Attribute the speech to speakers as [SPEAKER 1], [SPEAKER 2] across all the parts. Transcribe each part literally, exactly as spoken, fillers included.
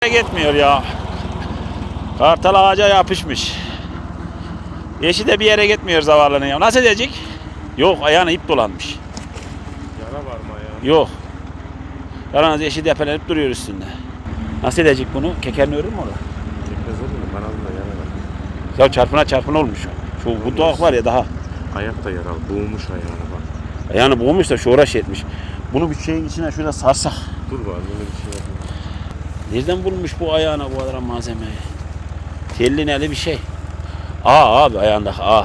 [SPEAKER 1] yere gitmiyor ya. Kartal ağaca yapışmış. Eşi de bir yere gitmiyor zavallının ya. Nasıl edecek? Yok, ayağına ip dolanmış.
[SPEAKER 2] Yara var mı ayağında?
[SPEAKER 1] Yok. Yalnız eşi depelenip duruyor üstünde. Nasıl edecek bunu? Kekerini örür mü orada?
[SPEAKER 2] Çekmez olur mu? Kanalında yara var.
[SPEAKER 1] Ya çarpına çarpına olmuş. Şu bu doğak var ya daha.
[SPEAKER 2] Ayak da yaralı. Boğmuş ayağını bak.
[SPEAKER 1] Ayağını boğmuş da şu uğraş etmiş. Bunu bir şeyin içine şurada sarsak.
[SPEAKER 2] Dur bari böyle bir şey yapayım.
[SPEAKER 1] Nereden bulmuş bu ayağına bu kadar malzemeyi? Telli neli bir şey. Aa abi ayağındaki aa.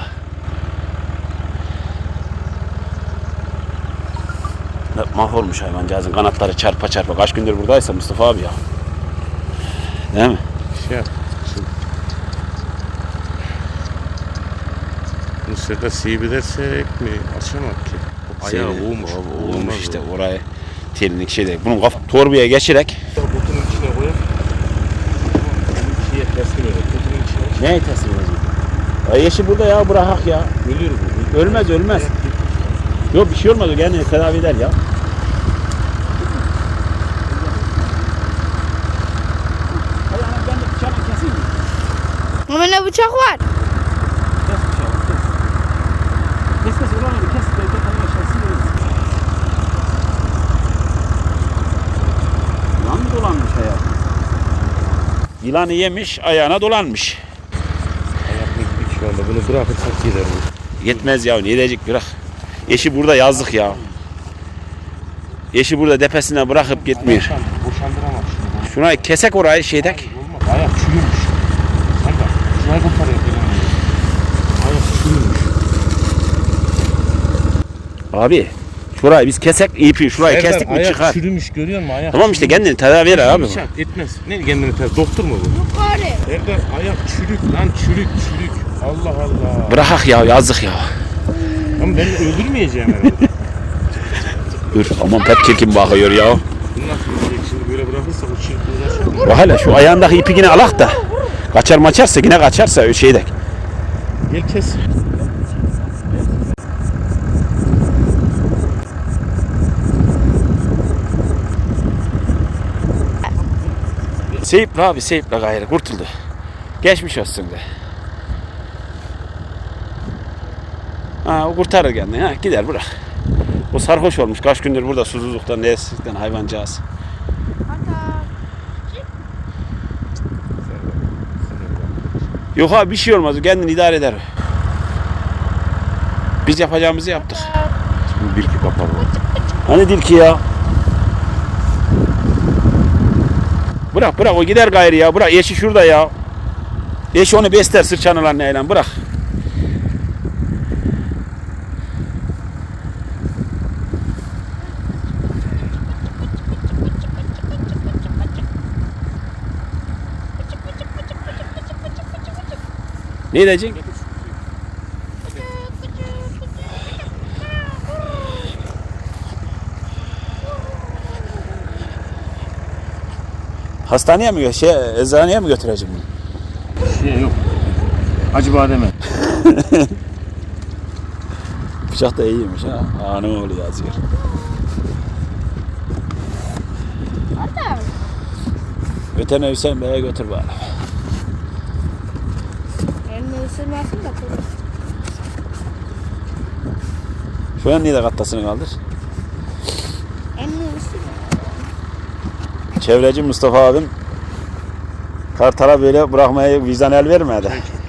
[SPEAKER 1] Mahvolmuş hayvancağızın kanatları çarpa çarpa. Kaç gündür buradaysa Mustafa abi ya. Değil mi?
[SPEAKER 2] Şey yap. Şimdi. Bu sefer siyibilersek mi? Açamak ki. Ayağı boğmuş.
[SPEAKER 1] Boğmuş işte oraya. Telini şey değil. Bunun kaf torbaya geçirek.
[SPEAKER 2] Kutunun içine koyup. Şeye teslim edin. Kutunun içine.
[SPEAKER 1] Neye teslim edecek? Ya yeşil burada ya bırakak ya.
[SPEAKER 2] Ölür bu.
[SPEAKER 1] Ölmez ölmez. Yok bir şey olmaz o kendini tedavi eder ya.
[SPEAKER 3] Ama ne bıçak var?
[SPEAKER 1] Kes bıçağı kes. Kes kes ulan öyle kes. Belki tanıyor şahsi verirsin. Yılan mı dolanmış hayatım? Yılanı yemiş ayağına dolanmış.
[SPEAKER 2] Ayak bitmiş şu anda. Bunu bırakırsak gider bu.
[SPEAKER 1] Yetmez ya ne edecek bırak. Eşi burada yazdık ya. Eşi burada depesine bırakıp gitmiyor.
[SPEAKER 2] Boşandıramaz şunu.
[SPEAKER 1] Şuna kesek orayı şeydek.
[SPEAKER 2] Olmaz. Ayak çürümüş. Sen bak. Şurayı kurtarıyor. Ayak çürümüş.
[SPEAKER 1] Abi şurayı biz kesek ipi şurayı
[SPEAKER 2] Serdar,
[SPEAKER 1] kestik mi
[SPEAKER 2] ayak
[SPEAKER 1] çıkar.
[SPEAKER 2] çürümüş görüyor musun? Ayak
[SPEAKER 1] Tamam işte kendini tedavi eder abi.
[SPEAKER 2] Şart etmez. Ne kendini tedavi? Doktor mu bu?
[SPEAKER 3] Yukarı.
[SPEAKER 2] Serdar ayak çürük lan çürük çürük. Allah Allah.
[SPEAKER 1] Bırakak ya yazık ya.
[SPEAKER 2] Ama ben öldürmeyeceğim herhalde.
[SPEAKER 1] Dur aman pek çirkin bakıyor ya.
[SPEAKER 2] Bunu nasıl öldürecek şimdi böyle bırakırsak o çirkin uğraşır mı?
[SPEAKER 1] Bak hele şu ayağındaki ipi yine alak da. Kaçar maçarsa yine kaçarsa öyle şeydek.
[SPEAKER 2] Gel kes.
[SPEAKER 1] Seyiple abi seyiple gayrı kurtuldu. Geçmiş olsun de. Ha o kurtarır kendini ha gider bırak. O sarhoş olmuş kaç gündür burada susuzluktan neyesizlikten hayvancağız. Yok abi bir şey olmaz o kendini idare eder. Biz yapacağımızı yaptık.
[SPEAKER 2] Şimdi bir iki kapalı.
[SPEAKER 1] Hani dil ki ya. Bırak bırak o gider gayrı ya bırak eşi şurada ya. Eşi onu besler sırçanılan neyle bırak. Ne edecek? Hastaneye mi gö- şey eczaneye mi götüreceğim bunu?
[SPEAKER 2] Şey yok. Acı bademe.
[SPEAKER 1] Bıçak da iyiymiş ha. Aa ne oluyor yazıyor. Veteriner Hüseyin Bey'e götür bari.
[SPEAKER 3] Elini ısırmasın da kurur.
[SPEAKER 1] Şu an niye de kattasını kaldır?
[SPEAKER 3] Elini ısırma.
[SPEAKER 1] Çevreci Mustafa abim Kartal'a böyle bırakmaya vicdan el vermedi.